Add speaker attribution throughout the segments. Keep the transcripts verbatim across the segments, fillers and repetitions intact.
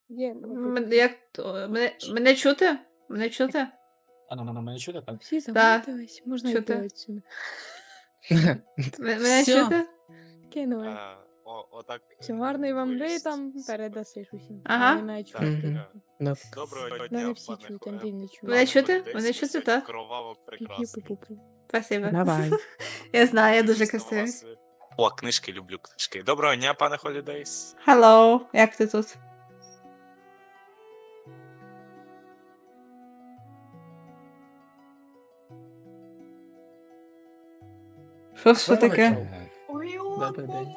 Speaker 1: Є, ну,
Speaker 2: М, Як то- мене, мене чути? Мене чути?
Speaker 3: А ну, ну, ну, мене чути, так?
Speaker 1: всі
Speaker 2: Да.
Speaker 1: замотились, можна
Speaker 2: Чути.
Speaker 1: йти отсюди.
Speaker 2: М- Мене
Speaker 3: Всьо.
Speaker 2: чути?
Speaker 1: Кинули.
Speaker 4: Е, о, отак.
Speaker 1: Все, гарної вам гри
Speaker 4: виліз.
Speaker 1: там передасиш усім.
Speaker 2: Ага.
Speaker 1: Не маю
Speaker 4: Так,
Speaker 1: чути.
Speaker 4: е,
Speaker 3: Ну,
Speaker 4: Доброго
Speaker 1: Мене
Speaker 4: дня,
Speaker 1: всі
Speaker 4: пане
Speaker 1: чують,
Speaker 4: Хо-
Speaker 1: Андрій не чує.
Speaker 2: Мене чути?
Speaker 4: Холідейс,
Speaker 2: Мене
Speaker 4: ви
Speaker 2: чути,
Speaker 4: сьогодні
Speaker 2: так?
Speaker 4: Кроваво прекрасний.
Speaker 1: Пі-пі-пу-пу.
Speaker 2: Спасибо.
Speaker 3: давай.
Speaker 2: Я знаю, я дуже
Speaker 4: Дійсно,
Speaker 2: красивий.
Speaker 4: вас, е, О, книжки, люблю книжки. Доброго дня, пане Холідейс.
Speaker 2: Hello, як ти тут? Що, що таке?
Speaker 3: Добрий день.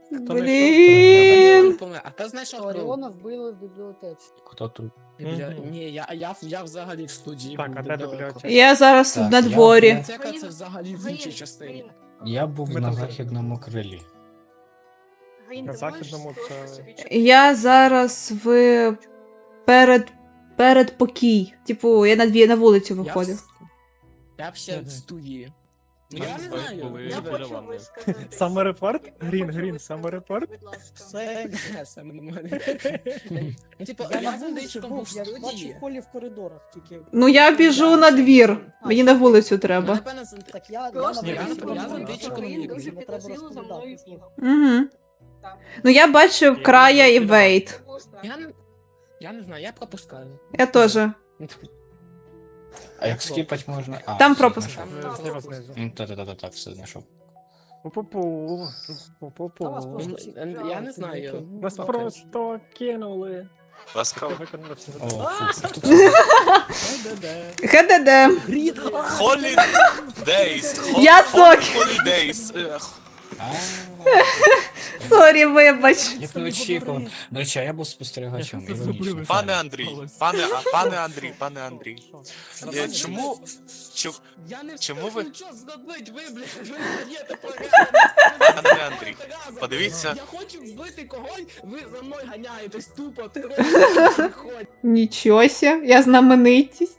Speaker 2: Блін.
Speaker 3: А ти знаєш, що
Speaker 5: Оріона вбили в бібліотеці.
Speaker 3: Хто тут? Ні, я, я, я взагалі в студії.
Speaker 6: Так,
Speaker 3: був
Speaker 6: а де
Speaker 3: недалеко.
Speaker 6: бібліотека?
Speaker 2: Я зараз
Speaker 7: Так,
Speaker 2: на
Speaker 7: я-
Speaker 2: дворі.
Speaker 3: Бібліотека це взагалі в іншій частині.
Speaker 7: Я був
Speaker 6: Ми
Speaker 7: на
Speaker 6: там
Speaker 7: західному крилі.
Speaker 6: На західному це.
Speaker 2: Я зараз в перед передпокій. Типу, я на дві на вулицю
Speaker 3: Я,
Speaker 2: виходив.
Speaker 3: в- я б ще в студії. Ну, я не
Speaker 6: Ми
Speaker 3: знаю.
Speaker 6: були
Speaker 3: Я
Speaker 6: біля
Speaker 3: хочу
Speaker 6: ванни.
Speaker 3: висказати.
Speaker 6: Саме репорт? Грін, грін, саме репорт?
Speaker 3: Все, саме нормально. Ну, типу,
Speaker 5: Я
Speaker 3: я
Speaker 5: на
Speaker 3: з
Speaker 5: вулиці
Speaker 3: Андрійчиком був
Speaker 5: був,
Speaker 3: в
Speaker 5: я бачив
Speaker 3: студії.
Speaker 5: Холі в коридорах тільки.
Speaker 2: Ну я біжу на двір. Мені на вулицю
Speaker 3: Ну,
Speaker 2: треба.
Speaker 3: напевно, з Анд-
Speaker 5: Так я, я
Speaker 6: Просто
Speaker 5: на
Speaker 6: я
Speaker 5: вулиці
Speaker 6: не- я
Speaker 5: був,
Speaker 6: з
Speaker 5: я
Speaker 6: Андрійчиком
Speaker 5: не
Speaker 3: не
Speaker 5: дуже
Speaker 3: дуже
Speaker 5: не треба
Speaker 8: підозріло за мною
Speaker 5: розповідати.
Speaker 8: бігав.
Speaker 2: Угу. Ну я бачив края і вейт.
Speaker 3: Я не, я не знаю, я пропускаю.
Speaker 2: Я теж.
Speaker 3: Ну, типу,
Speaker 7: А як скіпать можна? А,
Speaker 2: Там
Speaker 7: все
Speaker 2: пропуск.
Speaker 7: знайшов.
Speaker 3: там
Speaker 6: Зліва знизу.
Speaker 7: Ну, та-та-та, так, все знайшов.
Speaker 6: Пу-пу-пу.
Speaker 5: Та вас
Speaker 6: Пу-пу-пу.
Speaker 5: просто всі-
Speaker 3: Ну, я не знаю.
Speaker 6: Нас просто кинули. Ти
Speaker 4: Ласкаво.
Speaker 6: виконали всі
Speaker 7: О,
Speaker 6: завдання.
Speaker 7: фу, хто
Speaker 3: Де-де-де.
Speaker 2: ХДД.
Speaker 4: Холідейс.
Speaker 2: Я сок.
Speaker 4: Холідейс. Е,
Speaker 7: А,
Speaker 2: Сорі, вибач.
Speaker 7: Я б не очікував. До речі, а я був спостерігачем.
Speaker 6: Я
Speaker 7: Іронічно.
Speaker 4: Пане Андрій, пане, а, пане Андрій, пане Андрій. Е, Чому, чу-
Speaker 3: Я не
Speaker 4: Чому
Speaker 3: встиг
Speaker 4: ви-
Speaker 3: нічого зробити, ви, блядь, ви даєте
Speaker 4: Пане Андрій, подивіться.
Speaker 3: Я хочу вбити когось, ви за мною ганяєтесь тупо, ти
Speaker 2: Нічого ся, я знаменитість.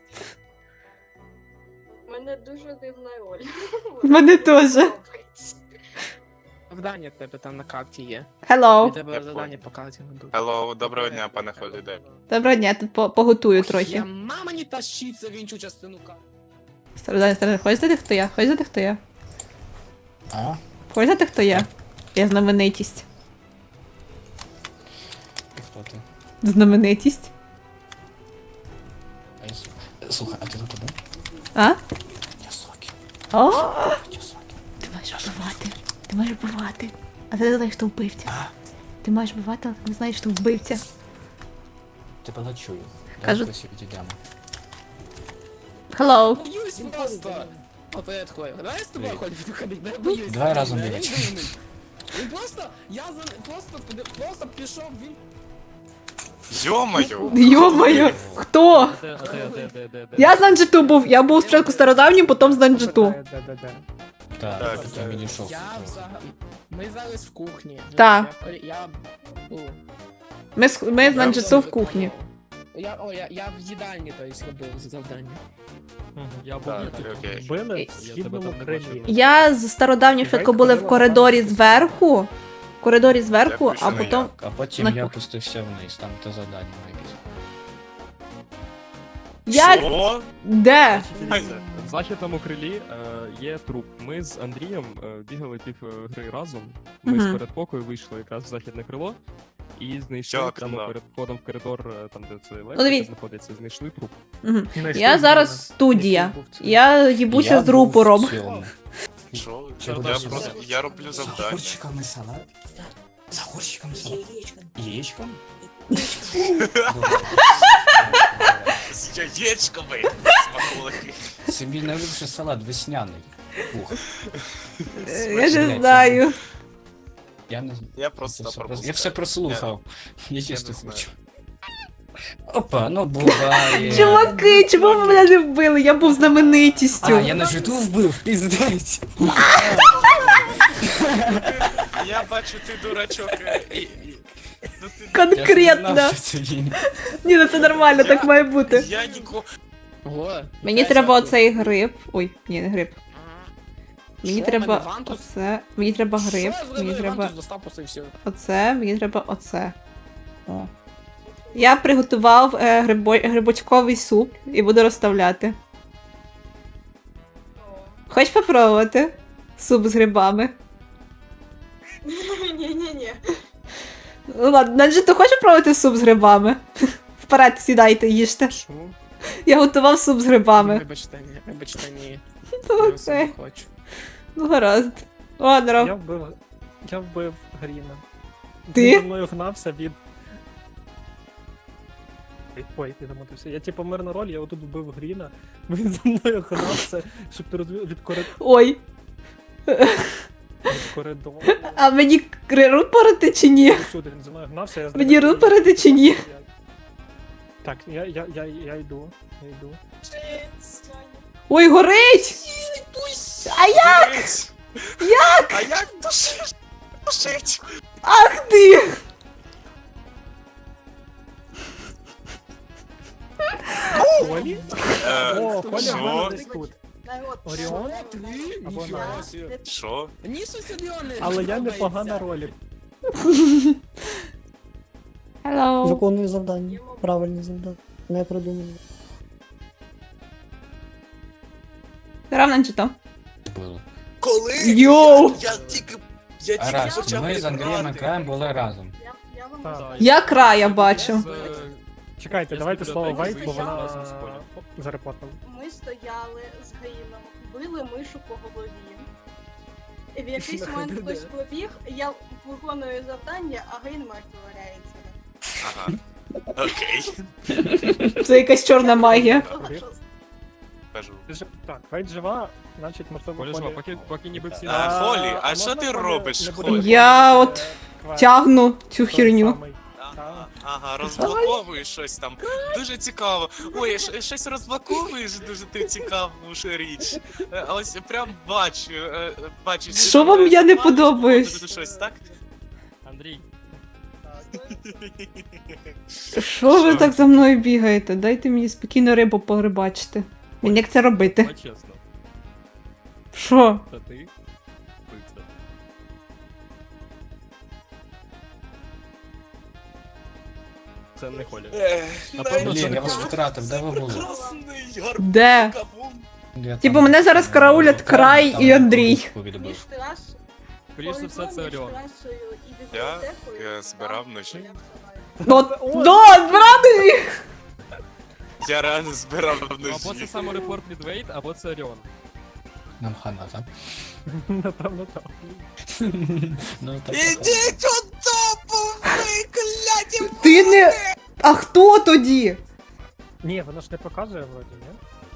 Speaker 8: У мене дуже дивна роль.
Speaker 2: В мене теж.
Speaker 3: Завдання в тебе там на карті є.
Speaker 2: Hello.
Speaker 3: І тебе
Speaker 4: Я
Speaker 3: завдання по карті ведуть.
Speaker 4: Hello, доброго дня, пане Холідей.
Speaker 2: Доброго дня, тут по- поготую
Speaker 3: Я
Speaker 2: трохи.
Speaker 3: мама не тащиться в іншу частину карти.
Speaker 2: Стародань, стародань, хочеш знати, хто я? Хочеш знати, хто я?
Speaker 7: А?
Speaker 2: Хочеш знати, хто я? Я знаменитість.
Speaker 7: І хто ти?
Speaker 2: Знаменитість.
Speaker 7: А я с- Слухай, а ти тут один?
Speaker 2: А?
Speaker 7: Я сокі.
Speaker 2: О,
Speaker 7: Я сокі.
Speaker 2: ти маєш вбивати. Ти маєш вбивати. А ти не знаєш, хто вбивця. Ти маєш вбивати, але ти не знаєш, хто вбивця.
Speaker 7: Тебе не чую.
Speaker 2: Кажу-
Speaker 7: Давай хтось відійдемо.
Speaker 2: Hello.
Speaker 3: Боюсь просто. О, привіт, Хлоя. Давай з тобою ходити, ходити, не боюсь.
Speaker 7: Давай разом
Speaker 3: Він
Speaker 7: бігати.
Speaker 3: дивний. Він просто, я за, просто, просто пішов, він
Speaker 4: Йо-моє.
Speaker 2: Йо-моє, хто? Я з Нанджиту був. Я був спочатку стародавнім, потім з Нанджиту.
Speaker 6: Де-де-де.
Speaker 7: Так,
Speaker 4: Так,
Speaker 7: я
Speaker 4: так.
Speaker 7: відійшов.
Speaker 3: Я взагалі. Ми зараз в кухні.
Speaker 2: Та.
Speaker 3: Я, я, ну,
Speaker 2: Ми з, ми з
Speaker 3: я
Speaker 2: Нанджиту в
Speaker 3: все
Speaker 2: кухні.
Speaker 3: виконував. Я, о, я, я в їдальні, то есть, робив завдання.
Speaker 6: Я був
Speaker 4: Так,
Speaker 6: тут.
Speaker 4: окей.
Speaker 6: Вбили в східному крилі.
Speaker 2: Я з стародавнім спочатку були в коридорі зверху. В коридорі зверху,
Speaker 4: Я
Speaker 2: а
Speaker 4: пишу на
Speaker 2: потім.
Speaker 7: А потім
Speaker 2: На
Speaker 7: я
Speaker 2: кухні.
Speaker 7: опустився вниз, там те завдання якесь.
Speaker 2: Як?
Speaker 4: Що?
Speaker 2: Де?
Speaker 9: В західному крилі е, є труп. Ми з Андрієм е, бігали пів е, гри разом. Ми
Speaker 2: Мгм.
Speaker 9: з передпокою вийшли якраз в західне крило і знайшли
Speaker 4: Дякую,
Speaker 9: прямо
Speaker 4: да.
Speaker 9: перед входом в коридор, е, там де це
Speaker 2: дивіться.
Speaker 9: електрика знаходиться, знайшли труп.
Speaker 2: Мгм.
Speaker 6: Знайшли
Speaker 2: Я зараз
Speaker 6: Гріна.
Speaker 2: студія.
Speaker 6: Який був це?
Speaker 2: Я їбуся
Speaker 7: Я
Speaker 2: з
Speaker 7: був
Speaker 2: рупором.
Speaker 7: в цьому.
Speaker 4: Що?
Speaker 7: Я
Speaker 4: Я
Speaker 7: бачу,
Speaker 4: просто,
Speaker 7: за-
Speaker 4: я роблю
Speaker 7: За
Speaker 4: завдання.
Speaker 7: горщиками салат? За горщиками салат? Яєчком?
Speaker 4: З яєчками. Смаколики.
Speaker 7: Собі найвищий салат весняний. Ух,
Speaker 2: Я не знаю.
Speaker 7: я не знаю.
Speaker 4: Я просто
Speaker 7: Це все
Speaker 4: пропускаю.
Speaker 7: прос- Я все прослухав. Я чисто
Speaker 4: не знаю.
Speaker 7: хочу. Опа, ну буває.
Speaker 2: Чуваки, чому ви мене не вбили? Я був знаменитістю.
Speaker 7: А, я на житу вбив, піздець.
Speaker 4: Я бачу, ти дурачок. е, і- і- Ну ти...
Speaker 7: Я ж не
Speaker 2: Конкретно.
Speaker 7: знав, що це він.
Speaker 2: Ні, ну це нормально, так має бути.
Speaker 4: Я нікого...
Speaker 3: Ого.
Speaker 2: Мені треба оцей гриб. Ой, ні, не гриб. Мені
Speaker 3: Що,
Speaker 2: треба
Speaker 3: мене Вантус?
Speaker 2: оце. Мені треба гриб.
Speaker 3: Що я
Speaker 2: Мені
Speaker 3: зробив?
Speaker 2: треба
Speaker 3: Вантус достав, просто і все.
Speaker 2: оце. Мені треба оце. О. Я приготував е, грибо... грибочковий суп і буду розставляти. Хочеш попробувати? Суп з грибами.
Speaker 8: Ні-ні-ні.
Speaker 2: Ну ладно, Наджі, ти хочеш попробувати суп з грибами? Вперед, сідайте, їжте.
Speaker 3: Що?
Speaker 2: Я готував суп з грибами.
Speaker 3: Вибачте, ні, вибачте, ні.
Speaker 2: Ну,
Speaker 3: Я все не
Speaker 2: окей.
Speaker 3: хочу.
Speaker 2: Ну гаразд. Ладно.
Speaker 6: Я вбив. Я вбив Гріна.
Speaker 2: Ти?
Speaker 6: Він за мною гнався від. Ой, Ой, я замотився. Я типу мирна роль, я отут вбив Гріна. Він за мною гнався, щоб ти розвів від, корид...
Speaker 2: Ой.
Speaker 6: від коридору.
Speaker 2: А мені рупорити чи ні?
Speaker 6: Сюди він за мною гнався, я
Speaker 2: Мені рупорити чи ні?
Speaker 6: Так, я, я, я, я йду, я йду.
Speaker 2: Ой, горить! А як?
Speaker 4: Як? А як душить? Душить?
Speaker 2: Ах ти!
Speaker 6: Колі?
Speaker 4: Е,
Speaker 6: О, Коля
Speaker 4: що?
Speaker 6: в мене десь тут.
Speaker 8: Народ,
Speaker 6: Оріон?
Speaker 3: Ти?
Speaker 6: Або
Speaker 3: Ніфіга
Speaker 6: Настя.
Speaker 3: собі.
Speaker 4: Що?
Speaker 3: Ні, сусідіони.
Speaker 6: Але я непогана ролі.
Speaker 2: Hello.
Speaker 5: Виконую завдання. Правильні завдання. Не продумані.
Speaker 2: Равно чи то?
Speaker 7: Було.
Speaker 4: Коли?
Speaker 2: Йоу!
Speaker 4: Я тільки... Я тільки
Speaker 7: Раз,
Speaker 4: почав
Speaker 7: ми з Андрієм і
Speaker 4: грати.
Speaker 7: Краєм були разом.
Speaker 8: Я, я вам
Speaker 6: Так.
Speaker 8: розкажу.
Speaker 2: Я края бачу.
Speaker 6: Чекайте,
Speaker 9: Я
Speaker 6: давайте
Speaker 9: з
Speaker 6: слово
Speaker 9: бібліотеки
Speaker 6: Вайт, бо
Speaker 9: вийшов
Speaker 6: вона
Speaker 9: разом з Колею.
Speaker 6: зарепортила.
Speaker 8: Ми стояли з Гаїном, били мишу по голові. І в якийсь момент хтось побіг, я виконую завдання, а Гаїн мертво валяється.
Speaker 4: Ага. Окей.
Speaker 2: Це якась чорна магія.
Speaker 4: Кажу.
Speaker 6: Ж- Так, Вайт жива, значить можливо
Speaker 9: Коля жива,
Speaker 6: Колі-
Speaker 9: поки, поки ніби всі...
Speaker 4: А, Холі, а що
Speaker 6: можна
Speaker 4: ти
Speaker 6: Колі
Speaker 4: робиш,
Speaker 6: не
Speaker 4: Холі?
Speaker 6: будемо
Speaker 2: Я
Speaker 6: виконувати,
Speaker 2: от
Speaker 6: е, квест?
Speaker 2: Тягну цю
Speaker 6: Той
Speaker 2: херню.
Speaker 6: самий.
Speaker 4: Ага, ага, розблоковуєш щось там. Дуже цікаво. Ой, щ- щось розблоковуєш, дуже ти цікаву ж річ. Е, Ось прям бачу, е, бачу.
Speaker 2: Що вам я не
Speaker 4: Бачиш,
Speaker 2: подобаюсь?
Speaker 4: тут Щось, так?
Speaker 9: Андрій,
Speaker 2: Що ви так за мною бігаєте? Дайте мені спокійно рибу порибачити. Мені як це робити?
Speaker 9: давай чесно.
Speaker 2: Що?
Speaker 9: Та ти? Пиця. Це не Коля.
Speaker 4: Ех,
Speaker 9: Напевно,
Speaker 7: Блін,
Speaker 9: це
Speaker 7: я вас
Speaker 9: Коля.
Speaker 7: втратив, де ви були?
Speaker 4: Прекрасний
Speaker 2: Де?
Speaker 4: гарбун.
Speaker 7: Я
Speaker 2: Типу,
Speaker 7: там-
Speaker 2: мене зараз караулять
Speaker 7: там-
Speaker 2: Край
Speaker 7: там
Speaker 2: і Андрій.
Speaker 7: покупку відбив.
Speaker 8: Між трас...
Speaker 9: Скоріше за все, це Оріон.
Speaker 4: Я- я збирав вночі.
Speaker 2: От, да, правда?
Speaker 4: Я реально збирав
Speaker 9: Або це
Speaker 4: вночі.
Speaker 9: саморепорт від Вейт, або це Оріон.
Speaker 7: Нам хана, так?
Speaker 6: Напевно так.
Speaker 7: Ну, так.
Speaker 4: Ідіть у топу, ви кляті!
Speaker 2: Ти не. А хто тоді?
Speaker 6: Ні, воно ж не показує вроді, ні?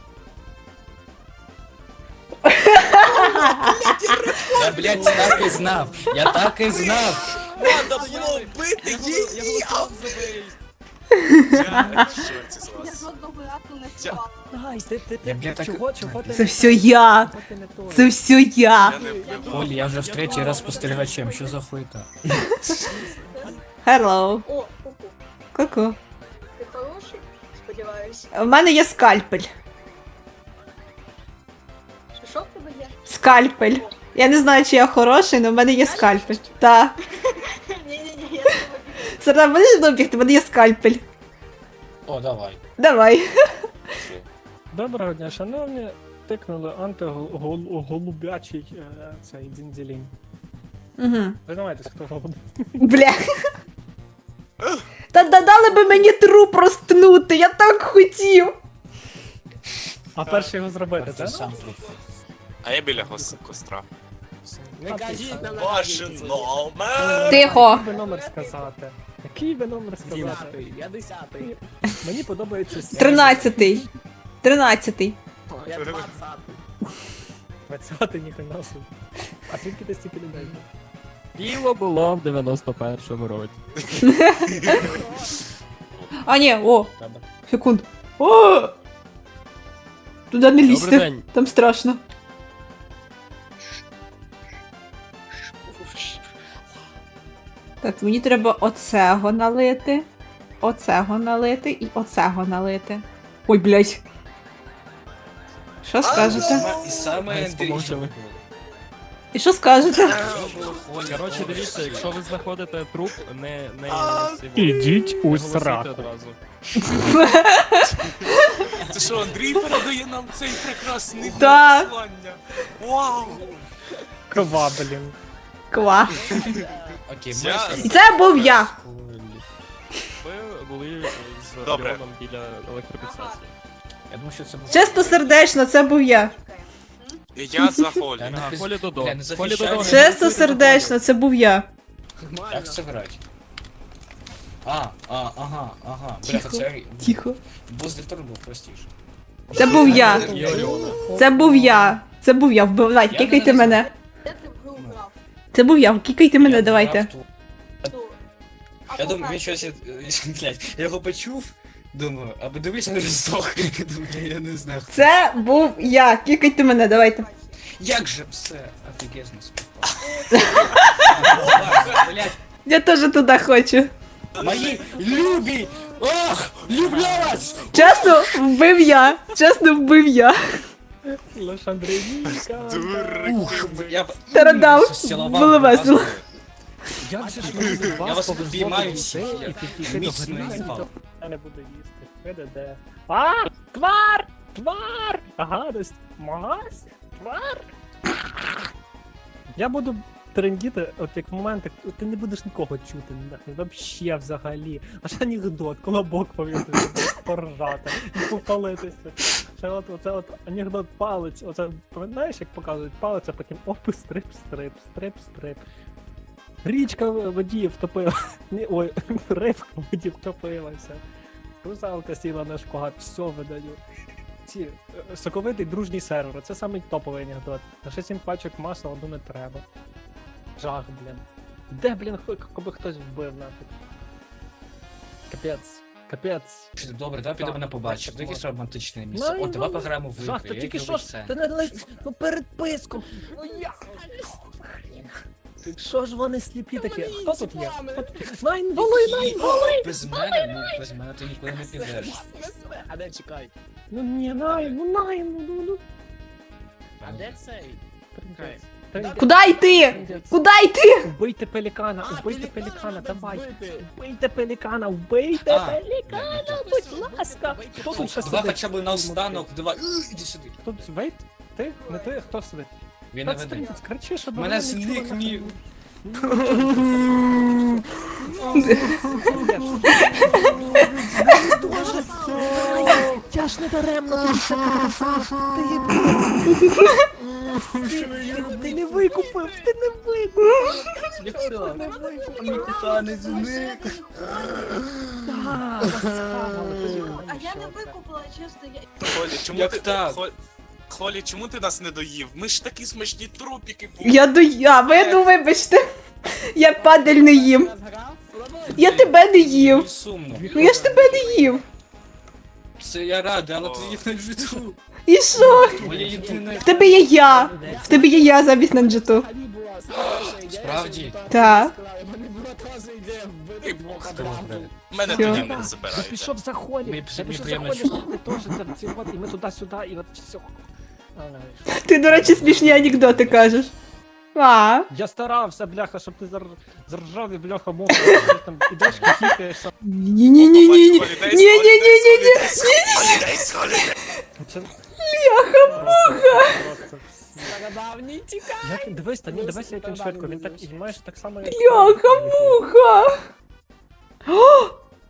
Speaker 7: Я, блядь, так і знав! Я так і знав!
Speaker 4: Надо було вбити
Speaker 9: Я
Speaker 4: її!
Speaker 9: голосував за Вейт.
Speaker 4: Я в шоці з
Speaker 8: Я
Speaker 4: вас.
Speaker 8: жодного разу не
Speaker 4: Я-
Speaker 8: впала.
Speaker 6: Ай, ти, ти,
Speaker 7: Я,
Speaker 6: ти,
Speaker 7: блядь, так...
Speaker 6: чого, чого ти
Speaker 2: Це
Speaker 6: не
Speaker 2: все
Speaker 6: той?
Speaker 2: я.
Speaker 6: Чого ти не той?
Speaker 2: Це все я.
Speaker 4: Я не вбив.
Speaker 7: Олі, я вже в третій раз спостерігачем, що за хуйта?
Speaker 2: Hello.
Speaker 8: О, ку-ку.
Speaker 2: Ку-ку.
Speaker 8: Ти хороший? Сподіваюсь.
Speaker 2: У мене є скальпель.
Speaker 8: Що, що в тебе є?
Speaker 2: Скальпель. Я не знаю, чи я хороший, але в мене є скальпель. Та.
Speaker 8: Ні-ні-ні, я тебе
Speaker 2: Сарда, будеш добігти? В мене є скальпель.
Speaker 7: О, давай.
Speaker 2: Давай.
Speaker 6: Доброго дня, шановні. Тикнули антиголубячий е, цей дзінзілінь.
Speaker 2: Угу.
Speaker 6: Признавайтесь, хто голуб.
Speaker 2: Бля. Та да- дали би мені труп розтнути, я так хотів.
Speaker 6: А перший його зробити,
Speaker 7: Ти
Speaker 6: так?
Speaker 7: сам тут.
Speaker 4: А я біля гос- костра.
Speaker 3: Не кажіть нам
Speaker 4: Ваше
Speaker 3: навіть.
Speaker 4: номер!
Speaker 2: Тихо.
Speaker 6: Який би номер сказати? Який би номер сказати?
Speaker 3: Десятий, я десятий.
Speaker 6: Мені подобається сім.
Speaker 2: Тринадцятий. Тринадцятий.
Speaker 3: Я двадцятий.
Speaker 6: двадцятий ніхрена собі. А звідки ти стільки людей?
Speaker 9: Діло було в дев'яносто першому році.
Speaker 2: А, ні, о,
Speaker 7: Тебе.
Speaker 2: секунд. О! Туди не
Speaker 9: Добрий
Speaker 2: лізьте.
Speaker 9: день.
Speaker 2: Там страшно. Так, мені треба оцего налити, оцего налити і оцего налити. Ой, блядь. Що скажете?
Speaker 7: І саме
Speaker 9: Ми
Speaker 7: Андрій.
Speaker 9: спомовчали.
Speaker 2: І що скажете?
Speaker 9: Коротше, дивіться, якщо ви знаходите труп, не... не цього-
Speaker 6: Ідіть
Speaker 9: не
Speaker 6: у
Speaker 9: голосуйте
Speaker 6: сраку.
Speaker 9: одразу.
Speaker 4: Це що, Андрій передає нам цей прекрасний
Speaker 2: Так.
Speaker 4: послання? Вау!
Speaker 6: Кова, блін.
Speaker 2: Ква.
Speaker 7: Окей,
Speaker 4: Я-
Speaker 2: І це був я.
Speaker 9: Ви були з
Speaker 4: Добре.
Speaker 9: Леоном біля електропідстанції.
Speaker 7: Я думаю, що це був...
Speaker 2: Чисто сердечно, це був я.
Speaker 4: Я за Холі.
Speaker 7: Я не
Speaker 9: Ага,
Speaker 7: пиз-
Speaker 9: Холі Додо.
Speaker 7: Бля, не
Speaker 9: Холі Додо.
Speaker 7: захищаю.
Speaker 9: не
Speaker 2: Чисто
Speaker 9: голосуйте за
Speaker 2: сердечно, це був я.
Speaker 7: Як це грати? А, а, ага, ага. Бляха, це...
Speaker 2: Тихо.
Speaker 7: Бос Дельтор був простіше.
Speaker 2: Це був я.
Speaker 9: Холі. І Оріона.
Speaker 2: Це був я. Це був я. Вбивайте,
Speaker 7: Я
Speaker 2: кікайте
Speaker 7: не
Speaker 2: мене.
Speaker 8: Де ти в гру грав?
Speaker 2: Це був я. Кікайте мене,
Speaker 7: Я
Speaker 2: давайте.
Speaker 7: грав ту-
Speaker 8: Хто? А
Speaker 7: Я думаю,
Speaker 8: покажи.
Speaker 7: він щось... е, Блядь, я його почув, думаю, аби дивись, не здох. Думаю, я не знаю. хто.
Speaker 2: Це був я. Кікайте мене, давайте.
Speaker 7: Як же все офігезно співпало. Блядь,
Speaker 2: Я теж туди хочу.
Speaker 7: мої любі! Ох, люблю вас!
Speaker 2: Чесно, вбив я. Чесно, вбив я.
Speaker 6: Лише Андрійка.
Speaker 7: Ух, я...
Speaker 2: Тарадав.
Speaker 7: Зцілував
Speaker 2: Було
Speaker 7: вас.
Speaker 2: весело.
Speaker 6: Як же ж мені від
Speaker 7: Я
Speaker 6: вас
Speaker 7: вас
Speaker 6: повезло
Speaker 7: обіймаю
Speaker 6: до
Speaker 7: всіх,
Speaker 6: людей,
Speaker 7: я
Speaker 6: і підійти до
Speaker 7: міцно
Speaker 6: гри,
Speaker 7: їбав.
Speaker 6: Я не буду їсти. Де-де-де. А! Твар! Твар! Гадость! Мась! Твар! Я буду трендіти, от як в моменти, ти не будеш нікого чути, нахуй, вообще взагалі. Аж анекдот, колобок повісити, поржати, і попалитися. Ще от, оце от анекдот палець, оце, пам'ятаєш, як показують палець, а потім опи, стрип, стрип, стрип, стрип. Річка в воді втопила. Ні, ой, рибка в воді втопилася. Русалка сіла на шпагат, все видаю. Ці е, соковитий дружній сервер, це самий топовий анекдот. На ще сім пачок масла одну не треба. Жах, блін. Де, блін, хо- коби хтось вбив нафіг. Капець, капець.
Speaker 7: Добре, давай підемо на побачення. Це якесь романтичне місце.
Speaker 6: Ну,
Speaker 7: О, давай
Speaker 6: ну,
Speaker 7: пограємо в
Speaker 6: Жах,
Speaker 7: ігри.
Speaker 6: ти
Speaker 7: Я
Speaker 6: тільки
Speaker 7: люблю
Speaker 6: що ж,
Speaker 7: це.
Speaker 6: ти не лиш, ну перед писком. Ну я. Що ж вони сліпі такі? Хто тут є? Хто тут є? Найн, воли, найн, воли!
Speaker 7: Без мене, ну, без мене ти нікуди не підеш.
Speaker 3: А де чекай?
Speaker 6: Ну ні, найн, ну найн, ну ну ну.
Speaker 3: А де цей?
Speaker 6: Трындець, трындець,
Speaker 2: Куди йти?
Speaker 6: трындець.
Speaker 2: Куди йти?
Speaker 6: Вбийте пелікана,
Speaker 3: А,
Speaker 6: вбийте
Speaker 3: пелікана
Speaker 6: пелікана,
Speaker 3: треба
Speaker 6: давай.
Speaker 3: вбити.
Speaker 6: Вбийте пелікана, вбийте
Speaker 7: А,
Speaker 6: пелікана,
Speaker 7: ні, ні,
Speaker 6: будь ласка. Хто тут ще
Speaker 7: Давай
Speaker 6: сидить?
Speaker 7: хоча б наостанок, давай. Е, Іди сюди.
Speaker 6: Хто тут вейт? Ти? Не ти? Хто сидить?
Speaker 7: Він не
Speaker 6: Та
Speaker 7: веде.
Speaker 6: трындець, кричи, щоб
Speaker 7: Мене
Speaker 6: вони не чули
Speaker 7: зник
Speaker 6: нахуй.
Speaker 7: мій.
Speaker 6: Я ж не даремно тут все ти, ти не викупив, ти не викупив.
Speaker 7: Мій коханий зник.
Speaker 8: А я не викупила, чесно, я...
Speaker 4: Холі, чому
Speaker 7: Як
Speaker 4: ти...
Speaker 7: так?
Speaker 4: Хо- Холі, чому ти нас не доїв? Ми ж такі смачні трупіки були.
Speaker 2: Я до я, ви ну вибачте. Я падаль не їм. Я тебе не їв.
Speaker 7: Мені сумно.
Speaker 2: Ну я ж тебе не їв.
Speaker 7: Це я радий, але ти їх не житу.
Speaker 2: І що?
Speaker 7: Моє єдине.
Speaker 2: В тебе є я. В тебе є я замість Нанджиту.
Speaker 7: Справді?
Speaker 2: Так.
Speaker 3: У мене була теж ідея вбити
Speaker 4: Ти
Speaker 3: двох
Speaker 7: Хто
Speaker 3: одразу.
Speaker 7: вбив?
Speaker 4: Мене
Speaker 2: Всьо.
Speaker 4: тоді не
Speaker 6: Я
Speaker 4: забирайте.
Speaker 6: пішов за Холі,
Speaker 7: Мені
Speaker 6: я
Speaker 7: пішов-
Speaker 6: пішов
Speaker 7: мені
Speaker 6: за Холі,
Speaker 7: приємно,
Speaker 6: щоб ти теж там ці от, і ми туди-сюди, і от все.
Speaker 2: Ти, до речі, смішні анекдоти кажеш. А.
Speaker 6: Я старався, бляха, щоб ти зар... заржав і бляха муха, там ідеш, хіхікаєш.
Speaker 2: Ні-ні-ні-ні-ні. Ні-ні-ні-ні-ні.
Speaker 4: Холідейс, холідейс.
Speaker 6: Це... Просто
Speaker 3: Стародавній тікай.
Speaker 6: Як, дивись, та ні, дивись, як він швидко, він так, і майже так само, як...
Speaker 2: Бляха-муха. О!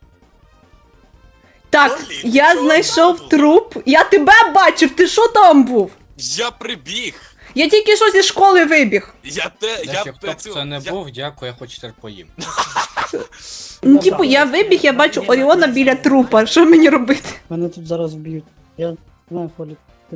Speaker 2: Так, я знайшов труп. Я тебе бачив, ти що там був?
Speaker 4: Я прибіг.
Speaker 2: Я тільки що зі школи вибіг.
Speaker 4: Я те, я
Speaker 7: Якщо хто б
Speaker 4: цю-
Speaker 7: це не
Speaker 4: я-
Speaker 7: був, дякую, я хоч тепер поїм.
Speaker 2: Ну, типу, я вибіг, я бачу Оріона біля трупа. Що мені робити?
Speaker 5: Мене тут зараз вб'ють. Я не знаю, Холі. Ти...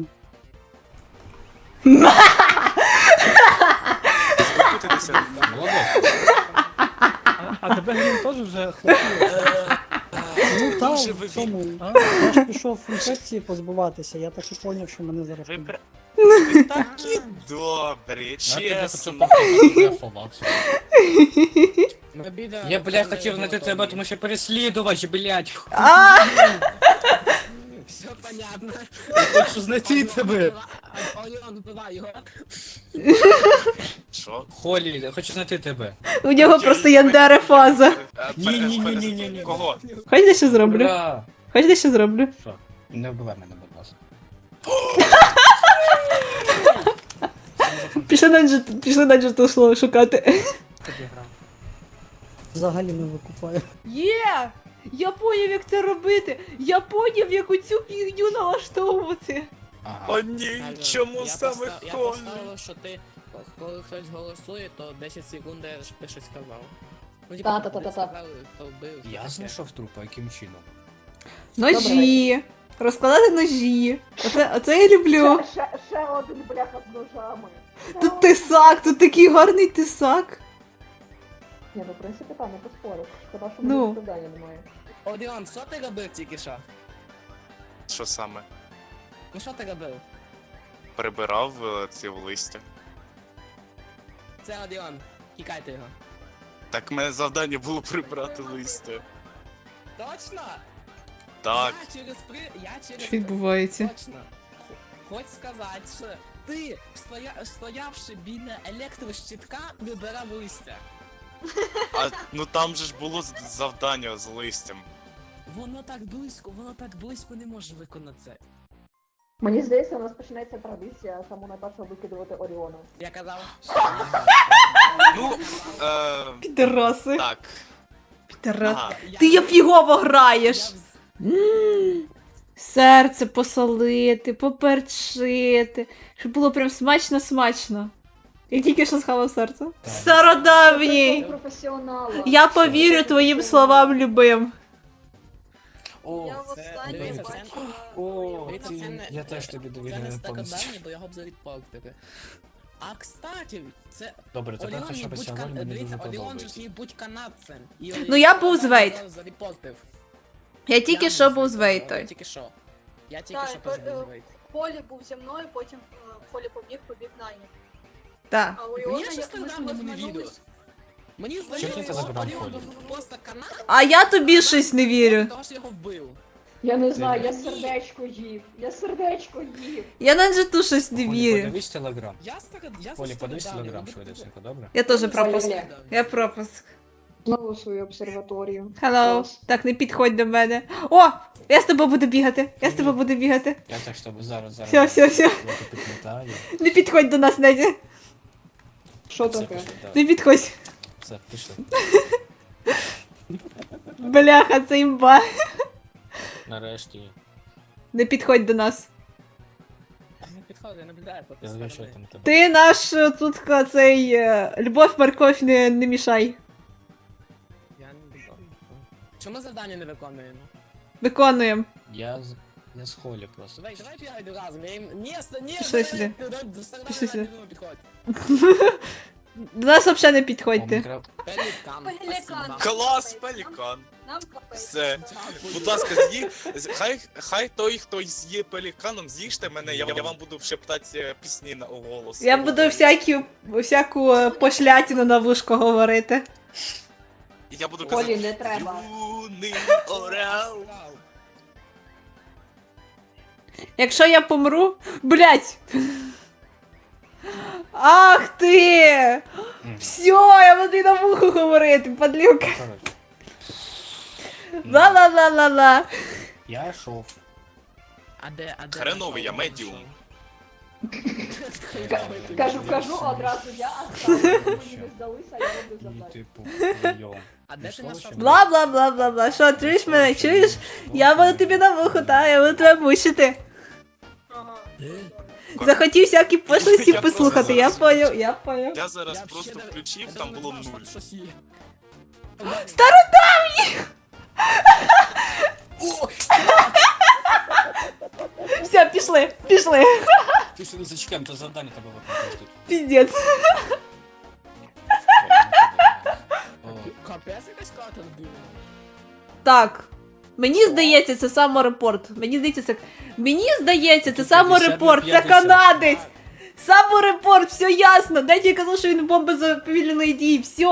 Speaker 4: Спокутитися.
Speaker 7: Молодець.
Speaker 6: А, а тебе він теж вже хлопів?
Speaker 5: Ну так,
Speaker 4: Дуже
Speaker 5: в
Speaker 4: вибіг.
Speaker 5: цьому.
Speaker 6: А?
Speaker 5: Я ж пішов інфекції позбуватися, я так і поняв, що мене зараз.
Speaker 4: Ви
Speaker 5: вб'ють.
Speaker 4: пр- ви такі добрі,
Speaker 7: Я тебе
Speaker 4: чесно.
Speaker 7: тут я ховався.
Speaker 3: Обіда.
Speaker 7: Я, блядь, хотів знайти тебе, тому що переслідувач, блядь.
Speaker 2: А,
Speaker 3: Все понятно.
Speaker 7: Я хочу знайти тебе.
Speaker 3: Оріон, вбивай його.
Speaker 4: Що?
Speaker 7: Холі, я хочу знайти тебе.
Speaker 2: У нього просто яндере фаза.
Speaker 4: Е,
Speaker 7: Ні,
Speaker 4: пере-
Speaker 7: ні, ні,
Speaker 4: пере-
Speaker 7: ні, ні, ні.
Speaker 4: Кого?
Speaker 2: Хоч дещо зроблю?
Speaker 7: Ура!
Speaker 2: Хоч дещо зроблю?
Speaker 7: Що? Не вбивай мене, будь ласка.
Speaker 2: Пішли на джет, пішли на джету слово шукати.
Speaker 5: Взагалі не викупаю.
Speaker 2: Є! Я поняв, як це робити! Я поняв, як оцю фігню налаштовувати!
Speaker 7: Ага.
Speaker 4: О ні, чому
Speaker 3: Я
Speaker 4: саме
Speaker 3: постав- Я
Speaker 4: Холі?
Speaker 3: поставив, що ти, коли хтось голосує, то десять секунд щоб ти щось сказав. Ну,
Speaker 2: Та-та-та-та-та.
Speaker 3: сказали, хто вбив.
Speaker 7: Я
Speaker 3: таке.
Speaker 7: знайшов трупа, яким чином?
Speaker 2: Ножі! Розкладати ножі! Оце, оце я люблю!
Speaker 8: Ще, ще один бляха з ножами.
Speaker 2: Тут тисак, тут такий гарний тисак!
Speaker 8: Ні, ну в принципі там не поспориш. Шкода, що
Speaker 2: Ну.
Speaker 8: мені завдання немає.
Speaker 3: Оріон, що ти робив тільки що?
Speaker 4: Що саме?
Speaker 3: Ну що ти робив?
Speaker 4: Прибирав е, ці листя.
Speaker 3: Це Оріон. Кікайте його.
Speaker 4: Так мене завдання було прибрати листя.
Speaker 3: Точно?
Speaker 4: Так.
Speaker 3: Я через при... Я через...
Speaker 2: Що відбувається?
Speaker 3: Точно. Х- Хоч сказати, що ти, стоя... стоявши біля електрощитка, прибирав листя.
Speaker 4: А ну там же ж було з- завдання з листям.
Speaker 3: Воно так близько, воно так близько не може виконати це.
Speaker 8: Мені здається, у нас починається традиція саму найпершого викидувати Оріона.
Speaker 3: Я казав,
Speaker 4: Ну, е,
Speaker 2: Підараси!
Speaker 4: так.
Speaker 2: Підарас.
Speaker 4: Ага.
Speaker 2: Ти я фігово граєш!
Speaker 3: Я вз-
Speaker 2: М, Серце посолити, поперчити, щоб було прям смачно-смачно. Я тільки що схавав серце. Стародавній!
Speaker 8: Професіонала.
Speaker 2: Я повірю твоїм словам любим.
Speaker 7: О,
Speaker 8: Я в
Speaker 3: це-
Speaker 8: останній
Speaker 3: дивіться, це-
Speaker 8: бачила.
Speaker 7: о,
Speaker 3: Дивіться,
Speaker 7: ти-
Speaker 3: це не-
Speaker 7: я теж тобі
Speaker 3: Це
Speaker 7: довіряю
Speaker 3: не
Speaker 7: повністю.
Speaker 3: стародавнє, бо його б зарепортили. А кстати, це
Speaker 7: Добре, тепер
Speaker 3: Оріон
Speaker 7: хоча
Speaker 3: міг
Speaker 7: б
Speaker 3: будь
Speaker 7: сьогодні
Speaker 3: кан...
Speaker 7: мені
Speaker 3: Дивіться,
Speaker 7: дуже
Speaker 3: Оріон же ж
Speaker 7: подобається.
Speaker 3: міг бути канадцем. І
Speaker 2: Ну, я був з Вейт.
Speaker 3: зараз зарепортив.
Speaker 2: Я тільки
Speaker 3: Я
Speaker 2: що
Speaker 3: не
Speaker 2: був з
Speaker 3: знаю,
Speaker 2: Вейтою.
Speaker 3: Я тільки що. Я тільки
Speaker 8: Так,
Speaker 3: що теж
Speaker 8: е,
Speaker 3: був з Вейт.
Speaker 8: Полі був зі мною, потім е, Полі побіг, побіг Найні.
Speaker 2: Так.
Speaker 8: А у
Speaker 3: Мені
Speaker 8: Іона
Speaker 3: щось
Speaker 8: як ми
Speaker 3: недавно не
Speaker 8: розминулись-
Speaker 3: відео. Мені
Speaker 7: Чого ти
Speaker 3: здається, що
Speaker 7: забрав
Speaker 3: Оріон
Speaker 7: Полі?
Speaker 3: був просто канадцем,
Speaker 2: А я тобі щось не вірю.
Speaker 3: того що його вбив.
Speaker 8: Я не
Speaker 7: знаю,
Speaker 8: я
Speaker 3: Ні.
Speaker 8: сердечко їв. Я сердечко їв.
Speaker 2: Я на джету щось не
Speaker 7: Полі,
Speaker 2: вірю.
Speaker 7: подивись телеграм.
Speaker 3: Я старод... Я
Speaker 7: Полі, подивись
Speaker 3: стародавній,
Speaker 7: телеграм
Speaker 3: ну,
Speaker 7: швидесенько, добре?
Speaker 2: Я теж
Speaker 3: я
Speaker 2: пропуск.
Speaker 3: стародавній.
Speaker 2: Я пропуск.
Speaker 8: Знову свою обсерваторію.
Speaker 2: Hello.
Speaker 8: Клас.
Speaker 2: Так, не підходь до мене. О! Я з тобою буду бігати. Я з тобою буду бігати.
Speaker 7: Я так, щоб зараз, зараз.
Speaker 2: Всьо, всьо, всьо.
Speaker 7: Я тут підмотаю.
Speaker 2: Не підходь до нас, Надя.
Speaker 8: Що
Speaker 7: Все,
Speaker 8: таке?
Speaker 7: пішли, так.
Speaker 2: Не підходь.
Speaker 7: Все, пішли.
Speaker 2: Бляха, це імба.
Speaker 7: Нарешті.
Speaker 2: Не підходь до нас.
Speaker 3: Не підходить, я наблюдаю по
Speaker 7: Я
Speaker 3: тій
Speaker 7: знаю, що
Speaker 3: стороні.
Speaker 7: там тебе.
Speaker 2: Ти наш е, тут ка- цей е, Любов Морковь не, не мішай.
Speaker 3: Я не буду. Чому завдання не виконуємо?
Speaker 2: Виконуємо.
Speaker 7: Я з... Я з холі просто.
Speaker 3: Давай, давай п'ять разом. Я їм... Ні, ст- ні,
Speaker 2: Пішли
Speaker 3: давай,
Speaker 2: сюди.
Speaker 3: ти- до- до старого
Speaker 2: Пішли сюди.
Speaker 3: не підходь.
Speaker 2: До нас взагалі не
Speaker 7: О,
Speaker 2: підходьте.
Speaker 7: мені треба-
Speaker 3: Пелікан,
Speaker 8: Пелікан.
Speaker 3: спасибо.
Speaker 4: Клас, пелікан.
Speaker 8: Нам капець.
Speaker 4: Все.
Speaker 3: Дякую.
Speaker 4: Будь ласка, з'ї... з- хай, хай той, хто з'є пеліканом, з'їжте мене, я, я вам буду шептати е, пісні на голос.
Speaker 2: Я буду всякі, всяку е, пошлятину на вушко говорити.
Speaker 4: Я буду
Speaker 8: Полі,
Speaker 4: казати,
Speaker 8: не треба.
Speaker 4: юний орел.
Speaker 2: Якщо я помру. Блять! Ах ти!
Speaker 7: Мгм.
Speaker 2: Все, я буду й на вухо говорити, падлюка.
Speaker 7: Коротше,
Speaker 2: Ла-ла-ла-ла-ла.
Speaker 7: я йшов.
Speaker 3: А де, а де?
Speaker 4: Хреновий, я медіум.
Speaker 8: Кажу, кажу одразу, я останній. Мені не здалися, я роблю
Speaker 7: І
Speaker 8: завдання.
Speaker 7: типу, прийом.
Speaker 3: А де ти
Speaker 7: Пішло,
Speaker 3: знайшов?
Speaker 7: чи ні?
Speaker 2: Бла-бла-бла-бла-бла. Що, чуєш мене? Чуєш? Я буду тобі на вухо, та, я буду тебе мучити.
Speaker 8: Ага.
Speaker 2: Захотів всякі пошлості
Speaker 4: Я
Speaker 2: послухати,
Speaker 4: просто
Speaker 2: я
Speaker 4: зараз-
Speaker 2: поняв, я поняв.
Speaker 4: Я зараз
Speaker 3: Я
Speaker 4: просто
Speaker 3: взагалі не-
Speaker 4: включив,
Speaker 3: я
Speaker 4: там
Speaker 3: навіть
Speaker 4: було
Speaker 3: не знав,
Speaker 4: нуль.
Speaker 3: що щось є.
Speaker 2: Все, пішли, пішли.
Speaker 7: Ти сюди зачекаємо, то завдання тебе виконати тут.
Speaker 2: Піздець.
Speaker 7: О,
Speaker 3: Капець якась карта вбила.
Speaker 2: Так. Мені здається, це саморепорт. Мені здається, це. Мені здається, це саморепорт, це
Speaker 7: п'ятдесят.
Speaker 2: канадець. Саморепорт, все ясно. Дайте я казав, що він бомба заповільної дії. Все.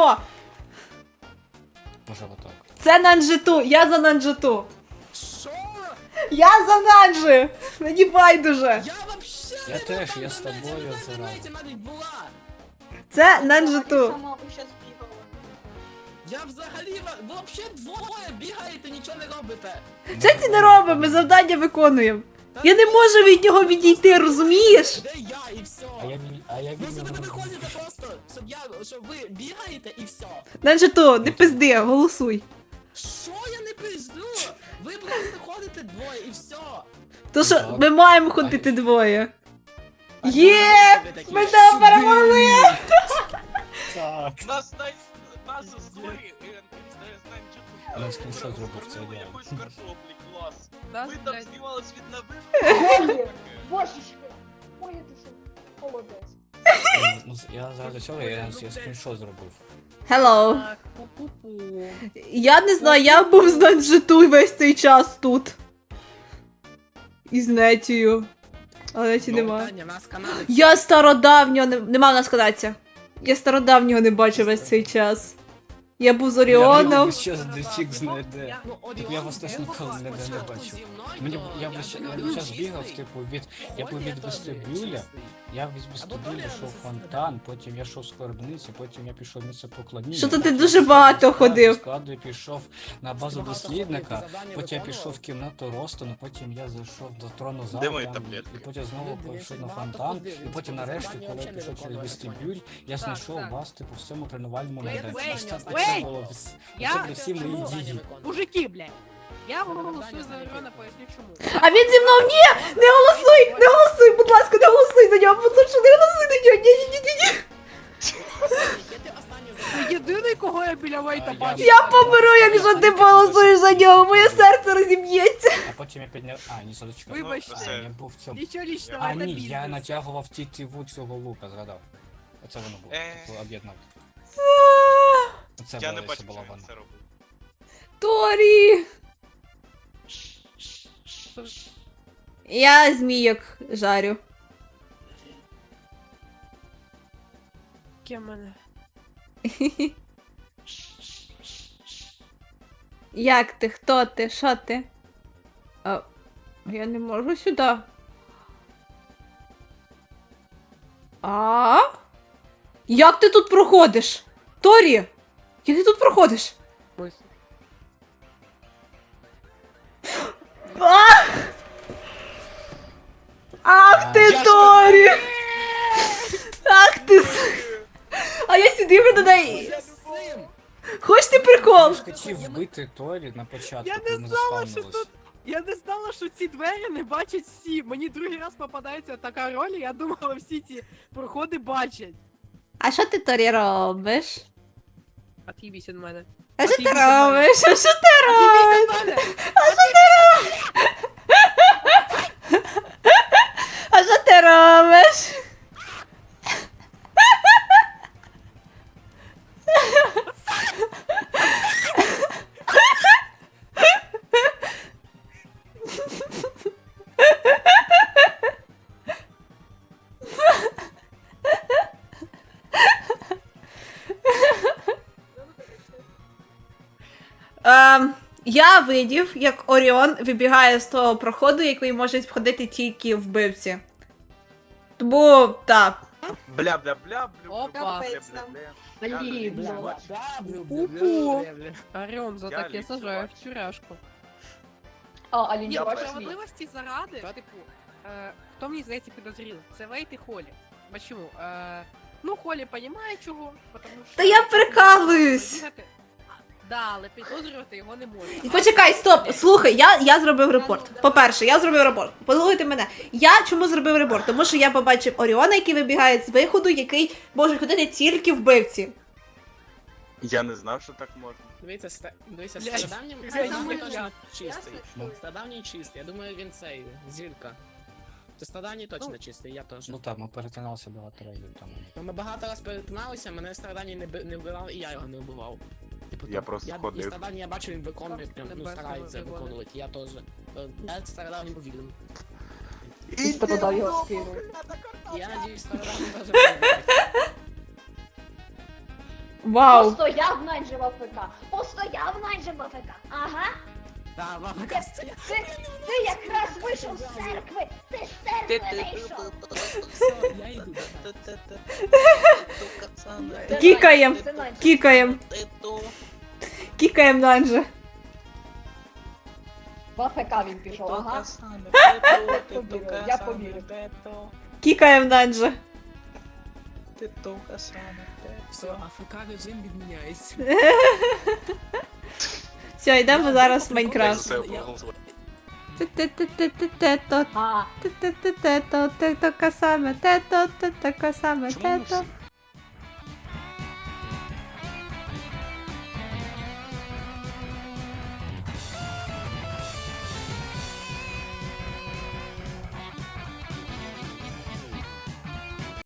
Speaker 7: може отак.
Speaker 2: Це Нанджиту. Я за Нанджиту.
Speaker 3: Що?
Speaker 2: Я за Нанджи. Мені байдуже.
Speaker 3: Я вообще
Speaker 7: Я теж, я з тобою
Speaker 3: в
Speaker 7: зразу.
Speaker 3: інтернеті навіть була.
Speaker 2: Це
Speaker 8: Я
Speaker 2: Нанджиту.
Speaker 8: сама щас бігала.
Speaker 3: Я взагалі, ви взагалі двоє бігаєте, нічого не робите.
Speaker 2: Що ти не робимо? Ми завдання виконуємо. Я не можу від нього відійти, розумієш?
Speaker 3: Де я і все.
Speaker 7: А я, від- а я
Speaker 3: Ви
Speaker 7: від
Speaker 3: себе не
Speaker 7: нього...
Speaker 3: виходите просто, щоб я, щоб ви бігаєте і все.
Speaker 2: Нанджиту, не пизди, голосуй.
Speaker 3: Що я не пизду? Ви просто ходите двоє і все.
Speaker 2: То що
Speaker 7: Так.
Speaker 2: ми маємо ходити двоє. Є! Ми тебе перемогли!
Speaker 7: Так.
Speaker 4: Нас най... Нас з гори, е, з
Speaker 7: Я скріншот зробив, це
Speaker 4: Зробили
Speaker 7: ідеально.
Speaker 4: якусь картоплі, клас.
Speaker 1: Нас,
Speaker 4: Ми там
Speaker 1: блядь,
Speaker 4: знімались від новин.
Speaker 8: Божечки. Ой, ти що? Молодець.
Speaker 7: Ну, я заради цього я, я скріншот зробив.
Speaker 2: Hello.
Speaker 1: Так, пу-пу-пу.
Speaker 2: Я не знаю, я був з Нанджиту весь цей час тут. І з Нетію. Але Неті нема.
Speaker 3: Питання, нас канали.
Speaker 2: Я стародавнього не... Нема в нас канадця. Я стародавнього не бачив весь цей час. Я був з Оріоном.
Speaker 7: Щас дефік знайде.
Speaker 3: Ну,
Speaker 7: Так я вас теж ніколи не, не бачив. Мені я весь я час бігав, типу, від я був від вестибюля, я від вестибюля йшов в фонтан, потім я йшов з скарбниці, потім я пішов в місце поклоніння.
Speaker 2: Що то ти
Speaker 7: потім
Speaker 2: дуже
Speaker 7: пішов
Speaker 2: багато
Speaker 7: до складу,
Speaker 2: ходив.
Speaker 7: з складу я пішов на базу дослідника, потім я пішов в кімнату Ростону, потім я зайшов до трону залу,
Speaker 4: Де мої
Speaker 7: там,
Speaker 4: таблетки?
Speaker 7: і потім знову пішов на фонтан, і потім нарешті, коли я пішов через вестибюль, я знайшов вас, типу, в цьому тренувальному майданчику. Це
Speaker 10: Wait!
Speaker 7: було вс-
Speaker 10: Я-
Speaker 7: це були всі мої дії.
Speaker 10: Мужики, блядь. Я голосую за Оріона, поясню чому.
Speaker 2: А він зі мною ні! Не голосуй! Не голосуй, будь ласка, не голосуй за нього, будь ласка, не голосуй за нього. Ні, ні, ні, ні, ні.
Speaker 10: Це єдиний, кого я біля Вейта
Speaker 7: А,
Speaker 10: бачу.
Speaker 2: Я помру, якщо ти голосуєш за нього, моє серце розіб'ється.
Speaker 7: А потім я підняв. А, ні, садочка.
Speaker 10: Вибачте.
Speaker 7: А, я був в цьому.
Speaker 10: Нічого лічного,
Speaker 7: А,
Speaker 10: це
Speaker 7: ні,
Speaker 10: бізнес.
Speaker 7: я натягував тітиву цього лука, згадав. Оце воно було.
Speaker 4: Е.
Speaker 7: Типу, об'єднав. Оце
Speaker 4: Я не
Speaker 7: було,
Speaker 4: бачив,
Speaker 7: це була
Speaker 4: що він
Speaker 7: вона.
Speaker 4: це робив.
Speaker 2: Торі. Я змійок жарю.
Speaker 10: Кем мене?
Speaker 2: Як ти? Хто ти? Що ти? А, я не можу сюди. А? Як ти тут проходиш? Торі! Як ти тут проходиш?
Speaker 10: Ось.
Speaker 2: А! Ах ти,
Speaker 7: Я ж
Speaker 2: Торі! Ах ти! с- А я сюди мене дай. Хочеш ти прикол?
Speaker 7: Я ж хотів вбити Торі на початку,
Speaker 10: Я не
Speaker 7: коли ми
Speaker 10: знала, що
Speaker 7: заспавнились.
Speaker 10: тут- Я не знала, що ці двері не бачать всі. Мені другий раз попадається така роль, і я думала, всі ці проходи бачать.
Speaker 2: А що ти, Торі, робиш?
Speaker 10: От'їбісь від мене.
Speaker 2: А що ти
Speaker 10: От'їбісь від мене.
Speaker 2: робиш? А що ти
Speaker 10: От'їбісь від мене!
Speaker 2: А що ти робиш? Ем, я видів, як Оріон вибігає з того проходу, який можуть входити тільки вбивці. Тому так.
Speaker 4: Бля, бля, бля, бля,
Speaker 10: Опа.
Speaker 4: бля, бля,
Speaker 8: Капець
Speaker 4: бля,
Speaker 8: нам.
Speaker 4: бля.
Speaker 3: Блін,
Speaker 4: Я
Speaker 3: бля,
Speaker 4: бачу.
Speaker 10: Пу-пу. Оріон, за
Speaker 4: Я
Speaker 10: таке
Speaker 4: лічу,
Speaker 10: сажаю
Speaker 4: бачу.
Speaker 10: в тюряшку.
Speaker 8: А, Алін,
Speaker 10: Ні,
Speaker 4: Я
Speaker 10: по
Speaker 4: бачу.
Speaker 10: справедливості заради, типу, е, хто мені здається підозрілий? Це Вейт і Холі. Почему? Е, ну, Холі понімає чого, потому що...
Speaker 2: Та я прикалуюсь.
Speaker 10: Знаєте, Да, але підозрювати його не можна.
Speaker 2: Почекай, стоп, слухай, я, я зробив репорт. По-перше, я зробив репорт. Послухайте мене. Я чому зробив репорт? Тому що я побачив Оріона, який вибігає з виходу, який може ходити тільки вбивці.
Speaker 4: Я не знав, що так можна.
Speaker 3: Дивіться, ста- дивіться,
Speaker 10: Блядь,
Speaker 3: стародавнім
Speaker 10: це
Speaker 3: стародавній
Speaker 10: нормально.
Speaker 3: точно чистий.
Speaker 7: Ну.
Speaker 3: Стародавній чистий. Я думаю, він цей, зірка. Це стародавній точно чистий, я теж.
Speaker 7: Ну так, ми перетиналися багато разів там.
Speaker 3: Ну, Ми багато раз перетиналися, мене стародавній не, би- не вбивав, і я його не вбивав. Типу,
Speaker 4: Я
Speaker 3: там,
Speaker 4: просто
Speaker 3: я,
Speaker 4: ходив.
Speaker 3: І стародавній я бачу, він виконує, прям, ну,
Speaker 10: Тебе
Speaker 3: старається
Speaker 10: виводить.
Speaker 3: виконувати, я теж. Е, Я стародавній повірив.
Speaker 4: І
Speaker 8: подав його скинув.
Speaker 3: Я надіюсь, стародавній теж повірить.
Speaker 2: Вау.
Speaker 8: Постояв Найджела ФК. Постояв Найджела ФК. Ага.
Speaker 3: Да, баба Костя.
Speaker 11: Ти, ти якраз вийшов з церкви! Ти з церкви вийшов!
Speaker 3: Все, я йду.
Speaker 2: Кікаєм.
Speaker 11: Це Надя.
Speaker 2: Кікаєм. Кікаєм Нанджа.
Speaker 11: В АФК він пішов, ага. Повірю, я повірю.
Speaker 2: Кікаєм Нанджа.
Speaker 3: Все, АФК режим відміняється.
Speaker 2: Все, йдемо зараз в Майнкрафт.
Speaker 4: Це проголосувати.
Speaker 2: Те-те-те-те-те-то.
Speaker 11: А,
Speaker 2: Те-те-те-те-то. Те-то касаме. Те-то, те-то касаме.
Speaker 4: Чому ми
Speaker 2: Те-то.
Speaker 4: всі-